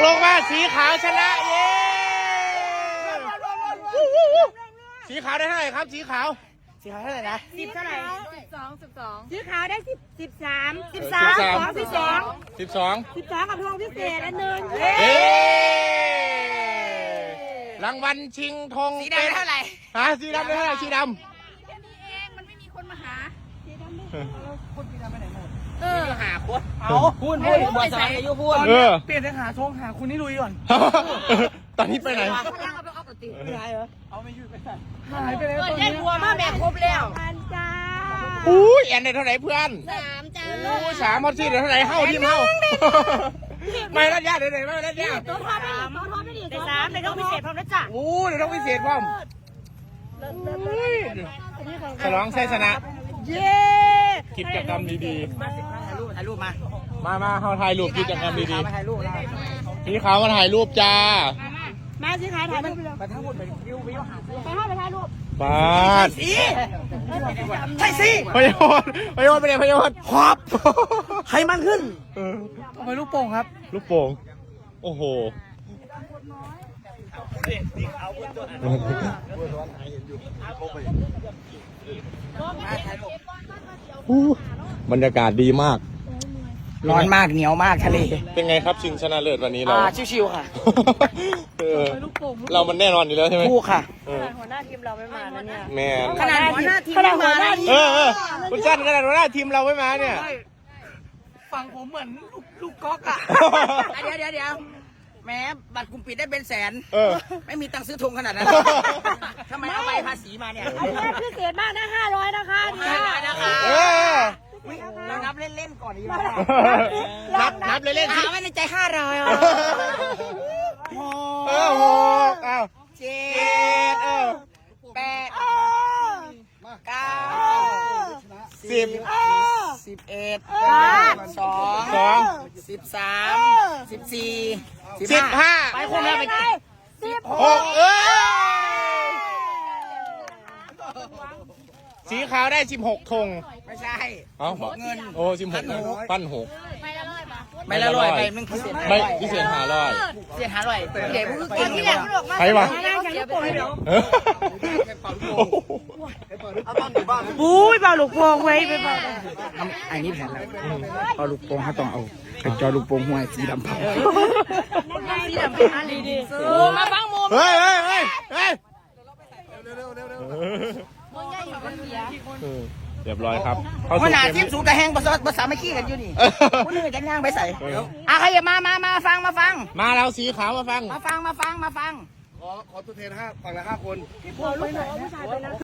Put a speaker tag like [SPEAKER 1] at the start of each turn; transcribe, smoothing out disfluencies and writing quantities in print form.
[SPEAKER 1] ลงว่าสีขาวชนะเย้สีขาวได้เท่าไหร่ครับสีขาวเท่าไหร่นะ
[SPEAKER 2] 10เท่าไหร่12สีขาวได้13กับทองพิเศษอันนึง
[SPEAKER 1] รางวัลชิงธง
[SPEAKER 3] สีดำเท่าไหร่
[SPEAKER 1] สีดำได้เท่าไหร่สีดำ
[SPEAKER 3] มันไม่มีคนมาหา
[SPEAKER 2] คนสีดำไปไหนหมด
[SPEAKER 3] หาคน
[SPEAKER 2] พูดบัวสายอายุพูดเปลี่ยนจากหาทงหาคุณนี่ลุยก่อน
[SPEAKER 1] ตอนนี้ไปไหน
[SPEAKER 2] เอาไม่อยู่ไปไหนหายไปแล้วตอนนี้
[SPEAKER 3] บัวมาแม่ครบแล้ว
[SPEAKER 2] จ้า
[SPEAKER 1] แอนได้เท่าไหร่เพื่อน
[SPEAKER 3] 3จ้า
[SPEAKER 1] 3มอสซี่ได้เท่าไหร่เฮ้าทีมเฮ้าไม่รัดยาเดี๋ยวไม่รัดยา
[SPEAKER 2] ตัวทอไม่ดีได้3ได้ต้องพิเศษพร้อมนะจ๊ะ
[SPEAKER 1] เดี๋ยวต้องพิเศษพร้อมฉลองชัยชนะ
[SPEAKER 2] เย้
[SPEAKER 1] กิจกรรมดี
[SPEAKER 3] ๆถ่ายรูป
[SPEAKER 1] มาเขาถ่ายรูปกิจกรรมดีๆสีขาวมาถ่ายรูปจ้า
[SPEAKER 2] มาสีขาวถ่ายรูป
[SPEAKER 3] ไปทั้งหมดไปวิวหา
[SPEAKER 2] ไปถ่ายรูป
[SPEAKER 1] บ้า
[SPEAKER 3] ใช่สิ
[SPEAKER 1] พยศไปเลยพยศ
[SPEAKER 3] ขอบใครมันขึ้น
[SPEAKER 2] ทำไมลูกโป่งครับ
[SPEAKER 1] ลูกโป่งโอ้โหบรรยากาศดีมาก
[SPEAKER 3] ร้อนมากเหนียวมากทะเล
[SPEAKER 1] เป็นไงครับชิงชนะเลิศวันนี้เรา
[SPEAKER 3] ชิวๆค่ะ
[SPEAKER 1] เรามันแน่นอนอยู่แล้วใช่ไหม
[SPEAKER 3] คู่ค่ะ
[SPEAKER 2] หัวหน้าทีมเราไม่มานะเนี่ย
[SPEAKER 1] แมน
[SPEAKER 3] ขนาดหัวหน้าทีมไม่มา
[SPEAKER 1] คุณจันขนาดหัวหน้าทีมเราไม่มาเนี่ย
[SPEAKER 2] ฟังผมเหมือนลูกก๊อกอ่ะ
[SPEAKER 3] เดี๋ยวแม้บัตรกลุ่มปิดได้เป็นแสนไม่มีตังค์ซื้อธงขนาดนั้นทำไมเอาใบภาษีมาเนี่ย
[SPEAKER 2] อันนี้พิเศษมากนะ500นะคะ
[SPEAKER 3] 500นะคะเรานับเล่นๆก่อนดีกว่า
[SPEAKER 1] นับเล่นๆ
[SPEAKER 3] หาไว้ในใจ500
[SPEAKER 1] โอ้โห7
[SPEAKER 3] 8 9
[SPEAKER 1] 10
[SPEAKER 3] 11 12 13 14 15ไปคนละไป
[SPEAKER 1] 16สีขาวได้16ธง
[SPEAKER 3] ไม่ใช่
[SPEAKER 1] เงิน16ปั้น6
[SPEAKER 3] ไม่ละ100ไปมึงพิเศษ
[SPEAKER 1] ไม่พิเศษ500
[SPEAKER 3] เดี๋ยวพูดกินนี่แหละ
[SPEAKER 1] ใครวะ
[SPEAKER 2] อุ้ยเบาลูกโป่งไว้ไปบ้า
[SPEAKER 3] อันนี้แผนแล้วเอาลูกโป่งเขาต้องเอาเป็นจอลูกโป่งห้วยสีดำเผา
[SPEAKER 2] สีดำเป็นอะไรดี
[SPEAKER 3] มาฟังมุม
[SPEAKER 1] เฮ้ยเรียบร้อยครับ
[SPEAKER 3] ขนาดทีมสูงกระแหงภาษาไม่ขี้กันอยู่นี่คุณนึกจะย่างไปใส่ใครอย่ามาฟัง
[SPEAKER 1] มาแล้วสีขาวมาฟัง
[SPEAKER 3] มาฟัง
[SPEAKER 1] ขอตัวแทนฝั่งละ5 คน